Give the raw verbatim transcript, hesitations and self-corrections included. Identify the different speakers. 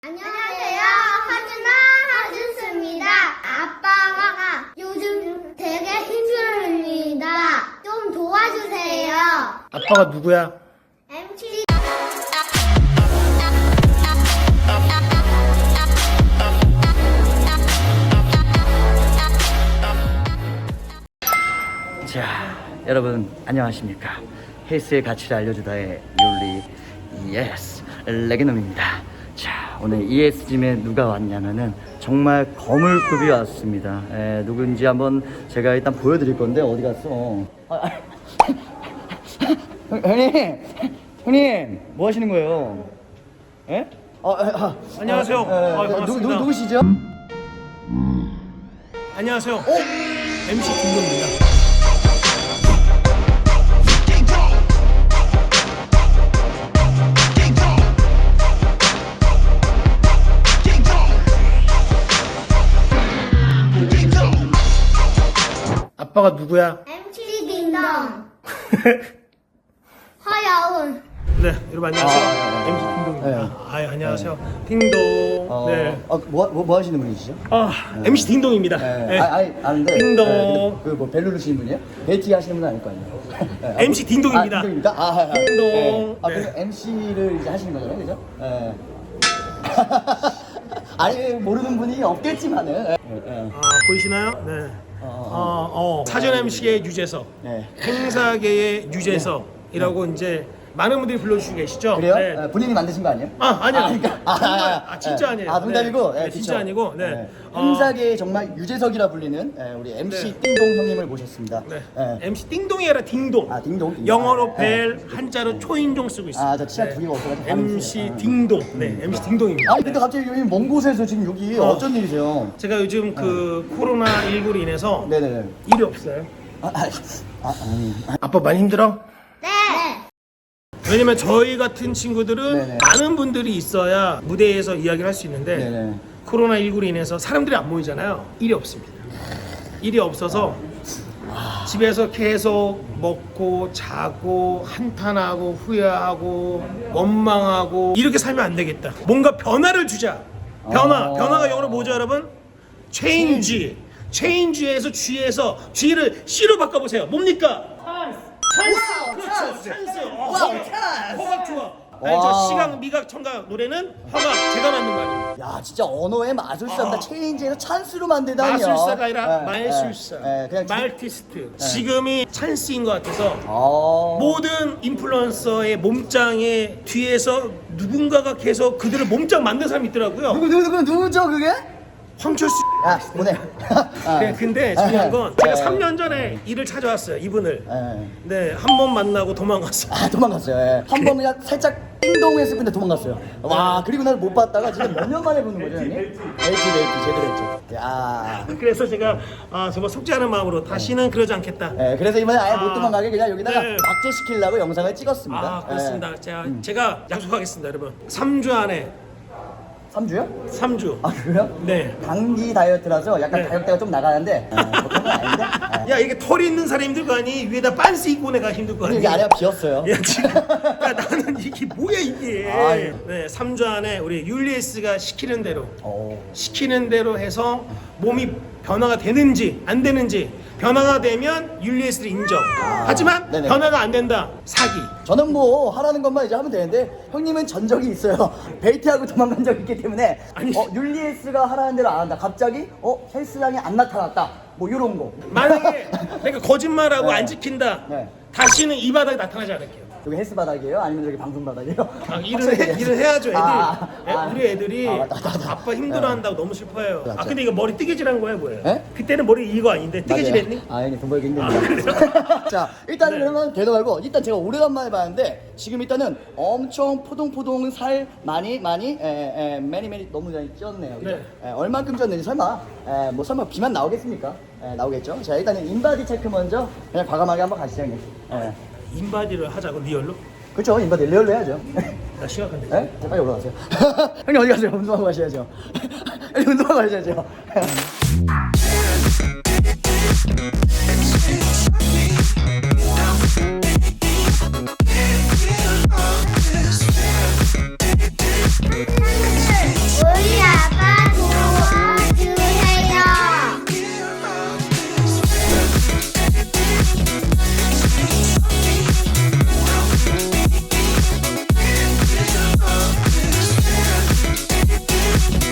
Speaker 1: 안녕하세요. 하준아, 하준수입니다. 아빠가 요즘 되게 힘들어합니다. 좀 도와주세요.
Speaker 2: 아빠가 누구야?
Speaker 1: 엠씨.
Speaker 3: 자, 여러분 안녕하십니까? 헬스의 가치를 알려주다의 율리 예스 레게놈입니다. 자, 오늘 이에스짐에 누가 왔냐면은 정말 거물급이 왔습니다. 에, 누군지 한번 제가 일단 보여드릴 건데 어디 갔어? 아, 아. 형, 형님, 형님, 뭐 하시는 거예요? 예? 어, 아, 아,
Speaker 2: 안녕하세요.
Speaker 3: 아, 에,
Speaker 2: 아,
Speaker 3: 누,
Speaker 2: 반갑습니다.
Speaker 3: 누, 누구시죠?
Speaker 2: 안녕하세요. 어? 엠씨 김동입니다. 아빠가 누구야?
Speaker 1: 엠씨 딩동. 허여운.
Speaker 2: 네, 여러분 안녕하세요.
Speaker 3: 아,
Speaker 2: 엠씨 김동입니다.
Speaker 3: 네.
Speaker 2: 아, 안녕하세요. 딩동.
Speaker 3: 어,
Speaker 2: 네.
Speaker 3: 어, 뭐, 뭐, 뭐 하시는 분이시죠?
Speaker 2: 아, 엠씨 딩동입니다.
Speaker 3: 네.
Speaker 2: 네.
Speaker 3: 아, 아니, 아는데.
Speaker 2: 딩동.
Speaker 3: 그뭐 벨루르 시는 분이에요? 벨티 하시는 분은 아닐 거 아니에요? 네.
Speaker 2: 엠씨 딩동입니다.
Speaker 3: 아, 딩동입니다. 아, 아, 아.
Speaker 2: 딩동.
Speaker 3: 네. 아,
Speaker 2: 네.
Speaker 3: 그래서 엠씨를 이제 하시는 거잖아요, 그죠? 네. 아니, 모르는 분이 없겠지만은. 네. 네.
Speaker 2: 아, 보이시나요? 네.
Speaker 3: 어,
Speaker 2: 어, 어, 사전 엠씨의 유재석,
Speaker 3: 네.
Speaker 2: 행사계의 유재석이라고 이제 많은 분들이 불러주시고 계시죠?
Speaker 3: 그래요?
Speaker 2: 네.
Speaker 3: 네, 본인이 만드신 거 아니에요?
Speaker 2: 아, 아니요.
Speaker 3: 아, 그러니까, 아,
Speaker 2: 정말,
Speaker 3: 아,
Speaker 2: 아, 진짜
Speaker 3: 네.
Speaker 2: 아니에요.
Speaker 3: 아, 농담이고.
Speaker 2: 네.
Speaker 3: 네,
Speaker 2: 네, 진짜
Speaker 3: 그쵸.
Speaker 2: 아니고. 네.
Speaker 3: 네.
Speaker 2: 어,
Speaker 3: 행사계의 정말 유재석이라 불리는 네, 우리 엠씨
Speaker 2: 네.
Speaker 3: 띵동 형님을 모셨습니다.
Speaker 2: 네.
Speaker 3: 네.
Speaker 2: 엠씨 띵동이 아니라 딩동.
Speaker 3: 아, 딩동, 딩동.
Speaker 2: 영어로
Speaker 3: 아,
Speaker 2: 벨,
Speaker 3: 네.
Speaker 2: 한자로 초인종 쓰고 있습니다.
Speaker 3: 아, 저 치아 두 개가 없어가지고 발음이
Speaker 2: 엠씨
Speaker 3: 틀려요. 아.
Speaker 2: 딩동. 네, 엠씨 딩동입니다.
Speaker 3: 아니 근데 갑자기 여기 먼 곳에서 지금 여기
Speaker 2: 어.
Speaker 3: 어. 쩐 일이세요?
Speaker 2: 제가 요즘 그 코로나 일구로 인해서
Speaker 3: 네네네.
Speaker 2: 일이 없어요.
Speaker 3: 아, 아, 아, 아니.
Speaker 2: 아빠 많이 힘들어?
Speaker 1: 네.
Speaker 2: 왜냐면 저희 같은 친구들은
Speaker 3: 네네.
Speaker 2: 많은 분들이 있어야 무대에서 이야기를 할 수 있는데
Speaker 3: 네네.
Speaker 2: 코로나 일구로 인해서 사람들이 안 모이잖아요. 일이 없습니다. 일이 없어서 집에서 계속 먹고 자고 한탄하고 후회하고 원망하고 이렇게 살면 안 되겠다. 뭔가 변화를 주자. 변화.
Speaker 3: 아.
Speaker 2: 변화가 영어로 뭐죠, 여러분? 체인지. 체인지에서 G에서 G를 C로 바꿔보세요. 뭡니까? 찬스. 그렇죠. 찬스. 어,
Speaker 3: 와우,
Speaker 2: 허각.
Speaker 3: 찬스.
Speaker 2: 허각 좋아. 아니, 저
Speaker 3: 와.
Speaker 2: 시각, 미각, 청각 노래는 허각. 제가 만든 거 아니에요.
Speaker 3: 야, 진짜 언어의 마술사입니다.
Speaker 2: 아.
Speaker 3: 체인지에서 찬스로 만들다니요.
Speaker 2: 마술사가 아니라
Speaker 3: 네,
Speaker 2: 말술사,
Speaker 3: 네, 네, 그냥 지-
Speaker 2: 말티스트. 지금이 찬스인 것 같아서
Speaker 3: 아.
Speaker 2: 모든 인플루언서의 몸짱의 뒤에서 누군가가 계속 그들을 몸짱 만든 사람이 있더라고요.
Speaker 3: 누구 누구 누구 누구죠 그게?
Speaker 2: 황철수.
Speaker 3: 야, 보내. 아.
Speaker 2: 네, 근데 중요한 건 제가
Speaker 3: 네.
Speaker 2: 삼 년 전에 일을 찾아왔어요, 이분을.
Speaker 3: 네.
Speaker 2: 네, 한 번 만나고 도망갔어요.
Speaker 3: 아, 도망갔어요. 예. 한 번 그냥 살짝 띵동했을 건데 도망갔어요. 와, 그리고 나서 못 봤다가 진짜 몇 년 만에 보는 거죠, 형님? 벨티, 벨티 제대로 했죠. 야.
Speaker 2: 그래서 제가 아, 정말 속죄하는 마음으로 다시는 그러지 않겠다.
Speaker 3: 예, 그래서 이번에 아예
Speaker 2: 아.
Speaker 3: 못 도망가게 그냥 여기다가
Speaker 2: 네.
Speaker 3: 박제시키려고 영상을 찍었습니다.
Speaker 2: 아, 그렇습니다.
Speaker 3: 예.
Speaker 2: 제가, 제가 약속하겠습니다, 여러분. 삼 주 안에,
Speaker 3: 삼 주요?
Speaker 2: 삼 주.
Speaker 3: 아, 그래요?
Speaker 2: 네.
Speaker 3: 단기 다이어트라서 약간
Speaker 2: 네.
Speaker 3: 가격대가 좀 나가는데 아, 뭐 그런 건 아닌데? 예.
Speaker 2: 야, 이게 털이 있는 사람이 힘들 거 아니? 위에다 빤스 입고 내가 힘들 거 아니?
Speaker 3: 여기 아래가 비었어요.
Speaker 2: 야, 지금. 야, 나는 이게 뭐야, 이게.
Speaker 3: 아유.
Speaker 2: 네, 삼 주 안에 우리 율리에스가 시키는 대로,
Speaker 3: 오.
Speaker 2: 시키는 대로 해서 몸이 변화가 되는지, 안 되는지, 변화가 되면 율리에스를 인정. 하지만
Speaker 3: 네네.
Speaker 2: 변화가 안 된다. 사기.
Speaker 3: 저는 뭐 하라는 것만 이제 하면 되는데 형님은 전적이 있어요. 벨트하고 도망간 적이 있기 때문에
Speaker 2: 아니.
Speaker 3: 어, 율리에스가 하라는 대로 안 한다. 갑자기 어 헬스장에 안 나타났다. 뭐 이런 거.
Speaker 2: 만약에 내가 거짓말하고
Speaker 3: 네.
Speaker 2: 안 지킨다.
Speaker 3: 네.
Speaker 2: 다시는 이 바닥에 나타나지 않을게요.
Speaker 3: 여기 헬스 바닥이에요? 아니면 여기 방송 바닥이에요?
Speaker 2: 아, 일을,
Speaker 3: 확실히
Speaker 2: 해,
Speaker 3: 얘기해.
Speaker 2: 일을 해야죠, 애들.
Speaker 3: 아,
Speaker 2: 애-
Speaker 3: 아,
Speaker 2: 우리 애들이
Speaker 3: 아, 맞다, 맞다, 맞다.
Speaker 2: 아빠 힘들어한다고 너무 슬퍼해요.
Speaker 3: 맞죠.
Speaker 2: 아, 근데 이거 머리 뜨개질한 거야, 뭐예요?
Speaker 3: 에?
Speaker 2: 그때는 머리 이거 아닌데 뜨개질
Speaker 3: 맞아요.
Speaker 2: 했니?
Speaker 3: 아, 형님 돈 벌기 힘듭니다. 자, 일단은
Speaker 2: 네.
Speaker 3: 그러면 되도 말고 일단 제가 오래간만에 봤는데 지금 일단은 엄청 포동포동 살 많이 많이 에, 에, 매니 매니 너무 많이 쪘네요. 그죠?
Speaker 2: 네.
Speaker 3: 에, 얼만큼 쪘는지 설마 에, 뭐 설마 비만 나오겠습니까? 에, 나오겠죠. 자, 일단은 인바디 체크 먼저 그냥 과감하게 한번 가시죠, 형님. 에.
Speaker 2: 인바디를 하자고 리얼로?
Speaker 3: 그렇죠. 인바디 리얼로 해야죠.
Speaker 2: 나 심각한데.
Speaker 3: 에? 자, 빨리 올라가세요. 형님 어디 가세요? 운동하고 가셔야죠. 형님 운동하고 가셔야죠.